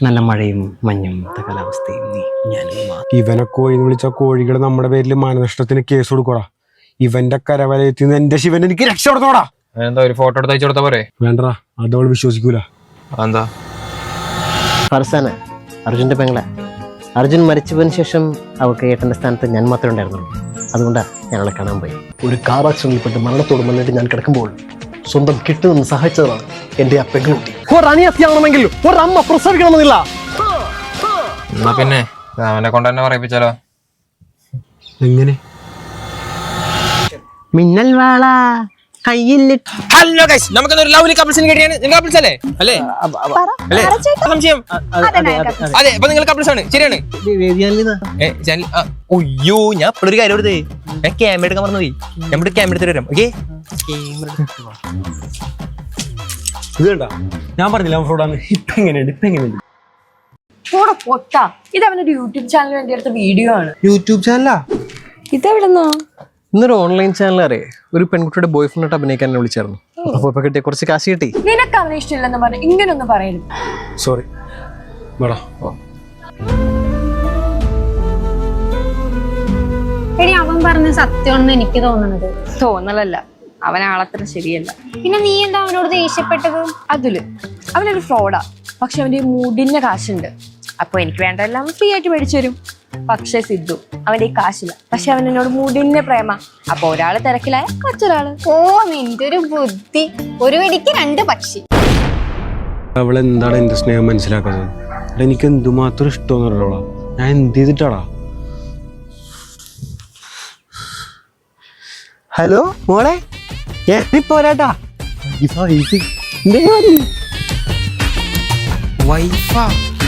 നല്ല മഴയും മഞ്ഞും കാലാവസ്ഥയും ഞാനും ഇവനെ കോഴി എന്ന് വിളിച്ച കോഴികൾ നമ്മുടെ പേരിൽ മാനനഷ്ടത്തിന് കേസ് കൊടുക്കോടാ. ഇവന്റെ കരവലയത്തിൽ നിന്ന് എന്റെ ശിവൻ എനിക്ക് രക്ഷപ്പെടുത്തോടാ. എന്താ ഒരു ഫോട്ടോ എടുത്ത് അയച്ചു കൊടുത്താ പോരെ? വേണ്ടടാ, അതവൾ വിശ്വസിക്കൂല. എന്താ ഫർസാന അർജുന്റെ പെങ്ങളെ. അർജുൻ മരിച്ചതിന് ശേഷം അവൾക്ക് ഏട്ടന്റെ സ്ഥാനത്ത് ഞാൻ മാത്രമേ ഉണ്ടായിരുന്നുള്ളൂ. അതുകൊണ്ടാണ് ഞാൻ അവളെ കാണാൻ പോയി. ഒരു കാർ ആക്സിഡന്റിൽപ്പെട്ട് മരണത്തോട് മുന്നിട്ട് ഞാൻ കിടക്കുമ്പോൾ സ്വന്തം കിട്ടുമെന്ന് സഹായിച്ചതാണ് എന്റെ ആ പെൺകുട്ടി. ഒരനിയത്തിയാവണമെങ്കിൽ ഒരമ്മ പ്രസവിക്കണമെന്നില്ല. എന്നാ പിന്നെ അവനെ കൊണ്ട് തന്നെ പറയിപ്പിച്ചാലോ? എങ്ങനെ? മിന്നൽ വാള കയ്യിലിട്ട്. ഹലോ ഗയ്സ്, നമുക്കൊരു ലവ്ലി കപ്പിൾസിനെ കേട്ടിയാണ്. നിങ്ങൾ കപ്പിൾസ് അല്ലേ? അല്ലേ? അല്ലേ? സംശയം? അതെ, അപ്പൊ നിങ്ങൾ കപ്പിൾസ് ആണ്. ശരിയാണ്. ഒയ്യോ, ഞാൻ ഇപ്പോഴൊരു കാര്യം എടുത്തേ. ഞാൻ ക്യാമറ എടുക്കാൻ പറഞ്ഞു പോയി. ഞാൻ ഇവിടെ ക്യാമറ എടുത്തിട്ട് വരാം. ഓക്കെ, ഇത് കണ്ടാ, ഞാൻ പറഞ്ഞില്ല ഫ്രോഡാണ്. ഇപ്പൊ എങ്ങനെയുണ്ട്? ഇത് അവനൊരു യൂട്യൂബ് ചാനലിന് വേണ്ടി എടുത്ത വീഡിയോ ആണ്. യൂട്യൂബ് ചാനലാ? ഇതെവിടെന്നോ? ഇന്നൊരു ഓൺലൈൻ ചാനൽ ഒരു പെൺകുട്ടിയുടെ ബോയ് ഫ്രണ്ടായിട്ട് അഭിനയിക്കാൻ എന്നെ വിളിച്ചായിരുന്നു. അപ്പൊ ഇപ്പൊ കിട്ടിയ കുറച്ച് കാശ് കിട്ടി. നിനക്ക് അവനെ ഇഷ്ടമില്ലെന്ന് പറഞ്ഞു ഇങ്ങനൊന്നും പറയരുത്. സോറി. എടി, അവൻ പറഞ്ഞ സത്യമാണെന്ന് എനിക്ക് തോന്നുന്നത്. തോന്നലല്ല, അവൻ ആളത്ര ശരിയല്ല. പിന്നെ നീ എന്താ അവനോട് ദേഷ്യപ്പെട്ടത്? അവനൊരു ഫ്രോഡാ. പക്ഷെ അവന്റെ മുടിന്റെ കാശുണ്ട്. അപ്പൊ എനിക്ക് വേണ്ടതെല്ലാം ഫ്രീ ആയിട്ട് മേടിച്ചു തരും. പക്ഷെ സിദ്ധു, അവന്റെ ഈ കാശില്ല. പക്ഷെ അവൻ എന്നോട് മുടിന്റെ പ്രേമ. അപ്പൊ ഒരാള് തിരക്കിലായ മറ്റൊരാള്. ഓ, നിന്റെ ഒരു ബുദ്ധി. ഒരു വെടിക്ക് രണ്ട് പക്ഷി. അവളെന്താണ് എന്റെ സ്നേഹം മനസ്സിലാക്കുന്നത്? എനിക്ക് എന്തുമാത്രം ഇഷ്ടമെന്നറിയോളാ. ഞാൻ എന്ത് ചെയ്തിട്ടാടാ? ഹലോ മോളെ, പോരാട്ടാ. വൈഫാ